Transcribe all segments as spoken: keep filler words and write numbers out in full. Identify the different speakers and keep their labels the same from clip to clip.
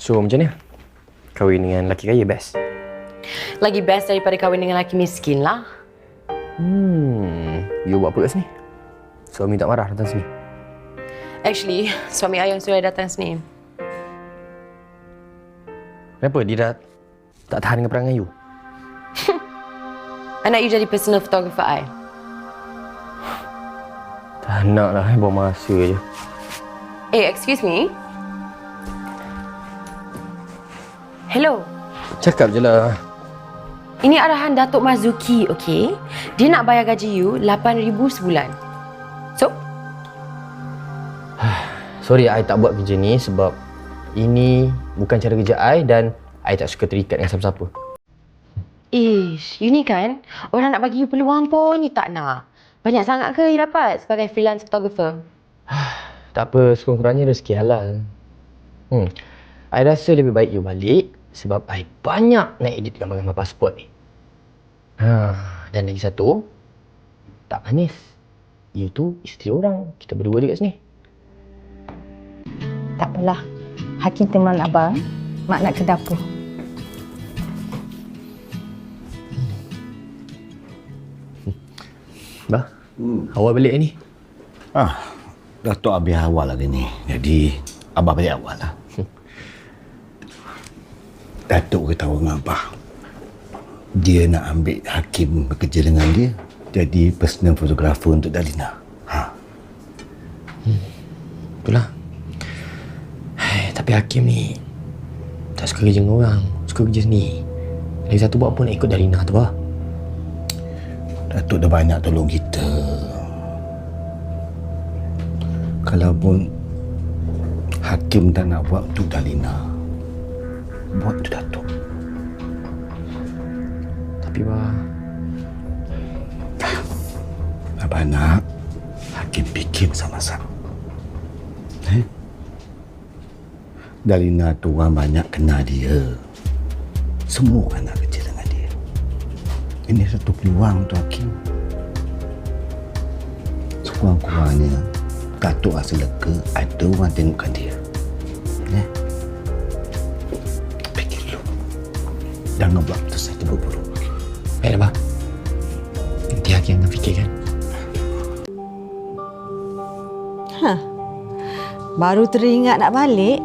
Speaker 1: So, macam ni? Kahwin dengan lelaki kaya best?
Speaker 2: Lagi best daripada kahwin dengan lelaki miskin lah.
Speaker 1: Hmm, you buat apa kat sini? Suami tak marah datang sini?
Speaker 2: Actually, suami ayah sudah datang sini.
Speaker 1: Kenapa? Dia dah tak tahan dengan perangai you?
Speaker 2: Anak you jadi personal photographer I.
Speaker 1: Tak nak lah, buang masa je.
Speaker 2: Eh, excuse me. Hello.
Speaker 1: Cakap je lah.
Speaker 2: Ini arahan Datuk Mazuki, okey? Dia nak bayar gaji you lapan ribu sebulan. So?
Speaker 1: Sorry, I tak buat kerja ni sebab ini bukan cara kerja I dan I tak suka terikat dengan siapa-siapa.
Speaker 2: Ish, you ni kan, orang nak bagi you peluang pun you tak nak. Banyak sangat ke you dapat sebagai freelance photographer?
Speaker 1: Tak apa, sekurang-kurangnya rezeki halal. Hmm. I rasa lebih baik you balik sebab I banyak nak edit gambar-gambar pasport ni. Ha, dan lagi satu, tak manis. You tu isteri orang, kita berdua je kat sini.
Speaker 3: Tak apalah. Hakim teman abang, mak nak ke dapur.
Speaker 1: Bah, hmm. awal balik ni?
Speaker 4: Ah, Datuk habis awal hari ni. Jadi, abah balik awal lah. Hmm. Datuk beritahu dengan abah. Dia nak ambil Hakim bekerja dengan dia. Jadi, personal photographer untuk Dalina. Ha.
Speaker 1: Hmm. Itulah. Hai, tapi Hakim ni tak suka kerja dengan orang. Suka kerja sendiri. Lagi satu buat pun nak ikut Dalina tu lah.
Speaker 4: Datuk dah banyak tolong kita. Kalau pun Hakim tak nak buat untuk Dalina, buat untuk Datuk.
Speaker 1: Tapi bah,
Speaker 4: Abah nak Hakim fikir masa-masa. Eh? Dalina tu orang banyak kenal dia. Semua orang nak kerja dengan dia. Ini satu peluang untuk Hakim. Sekurang-kurangnya Datuk rasa lega ada orang tengokkan dia. Eh? Fikir dulu. Jangan buat keputusan terburu-buru.
Speaker 1: baiklah bah. Nanti Hakim akan fikirkan.
Speaker 3: Hah. Baru teringat nak balik.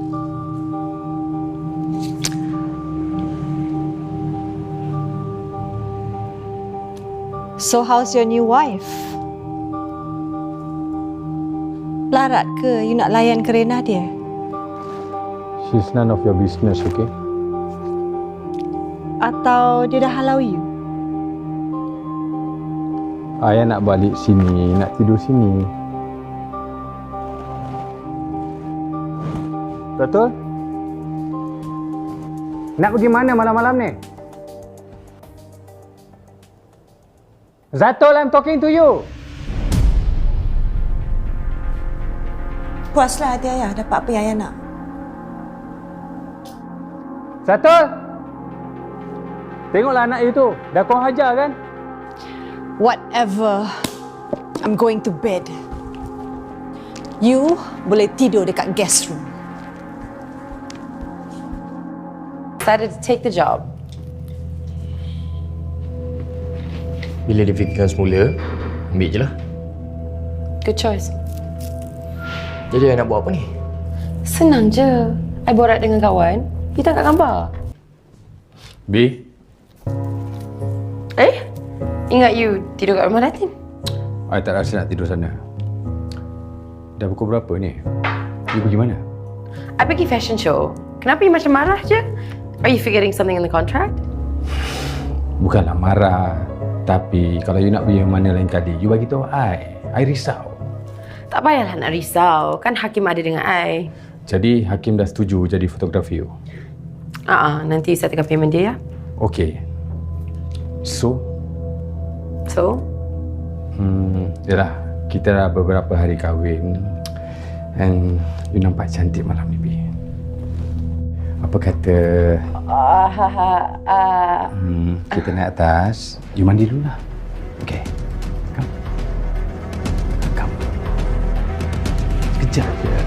Speaker 3: So how's your new wife? Larat ke you nak layan kerena dia?
Speaker 5: She's none of your business, okay?
Speaker 3: Atau dia dah halau you?
Speaker 5: Ayah nak balik sini, nak tidur sini. Betul? Nak pergi mana malam-malam ni? Zatul, I'm talking to you.
Speaker 3: Puaslah hati ayah dapat apa yang ayah nak.
Speaker 5: Zatul! Tengoklah anak you tu. Dah kau hajar kan?
Speaker 3: Whatever. I'm going to bed. You boleh tidur dekat guest room.
Speaker 2: Decided to take the job.
Speaker 1: Bila dia fikirkan semula, ambil je lah.
Speaker 2: Good choice.
Speaker 1: Jadi I nak buat apa ni?
Speaker 2: Senang je. I borak dengan kawan. You tangkap gambar.
Speaker 5: B?
Speaker 2: Eh? Ingat you tidur kat rumah Datin?
Speaker 5: I tak rasa nak tidur sana. Dah pukul berapa ni? You pergi mana?
Speaker 2: I pergi fashion show. Kenapa you macam marah je? Are you forgetting something in the contract?
Speaker 5: Bukanlah marah. Tapi kalau you nak pergi mana lain kali, you bagi tahu I. I risau.
Speaker 2: Tak payahlah nak risau. Kan Hakim ada dengan I.
Speaker 5: Jadi Hakim dah setuju jadi fotografi you?
Speaker 2: Ah, uh-uh, nanti saya tekan payment dia ya.
Speaker 5: Okay. So?
Speaker 2: So?
Speaker 5: Hmm, yalah. Kita dah beberapa hari kahwin. And you nampak cantik malam ni, B. Apa kata...
Speaker 2: Uh, ha, ha, uh,
Speaker 5: Hmm, kita naik atas. You mandi dulu lah. Okay. Come. Come. Sekejap je.